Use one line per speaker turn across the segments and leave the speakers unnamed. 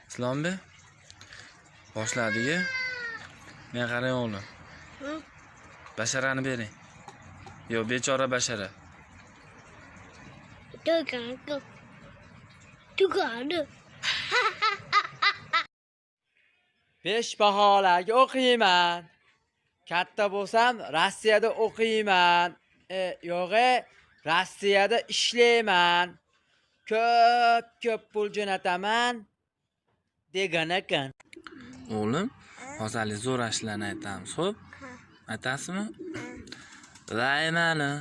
Islombek boshladi-ku. Men qarang o'g'lim. Basharani bering. Yo, bechora bashara.
Tugadi.
5 baholarga o'qiyman. Katta bo'lsam Rossiyada o'qiyman. Yo'g'i, Rossiyada ishlayman. Ko'p pul jo'nataman degan ekan.
O'g'lim, hozirlik zo'r ashlarni aytamiz, xo'p? Aytasizmi? Vaymani.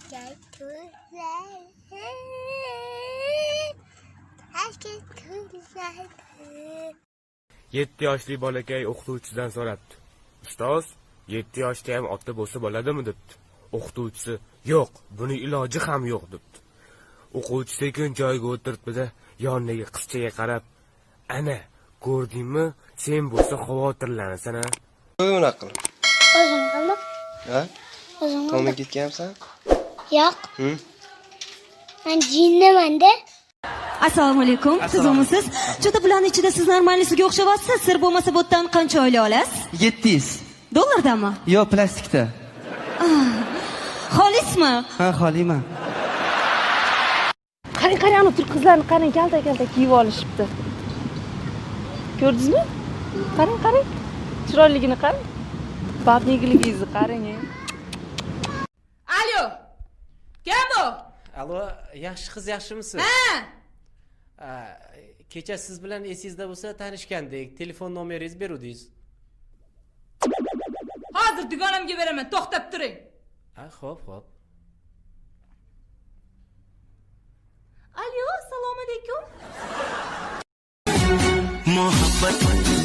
7 yoshli bolakay o'qituvchidan so'rabdi. Ustoz, 7 yoshda ham ota bo'lsa bo'ladimi debdi. O'qituvchisi, yo'q, buni iloji ham yo'q debdi. O'quvchi sekin joyiga o'tiribdi-da, yonidagi qizchaga qarab, "Ana, ko'rdingmi? Sen bo'lsa xavotirlanasan a?"
Nima qilib?
O'zim qildim.
Ha?
O'zim
Tomga
qildim.
ketgansan?
Yo'q. Men jinniman-da.
Assalomu alaykum. Siz o'misiz? Juda bularning ichida siz normalisiga o'xshavyapsiz. Sir bo'lmasa bu yerdan qancha oylik olasiz?
700.
Dollardanmi?
Yo, plastikda.
Xolismi?
Ha, xoliyman.
Qarang, ana turk qizlarni qarang, kalta kiyib olishibdi. Ko'rdingizmi? Qarang. Chiroyligini qarang. Babnigiligingizni qarang.
Alo. Kim bu?
Alo, yaxshi qiz, yaxshimisiz?
Ha.
Kecha siz bilan esingizda bo'lsa tanishgandik. Telefon nomeringizni beruvdingiz.
Hozir dugonamga beraman, to'xtab turing.
Xo'p.
Alo, assalomu alaykum.
Muhabbat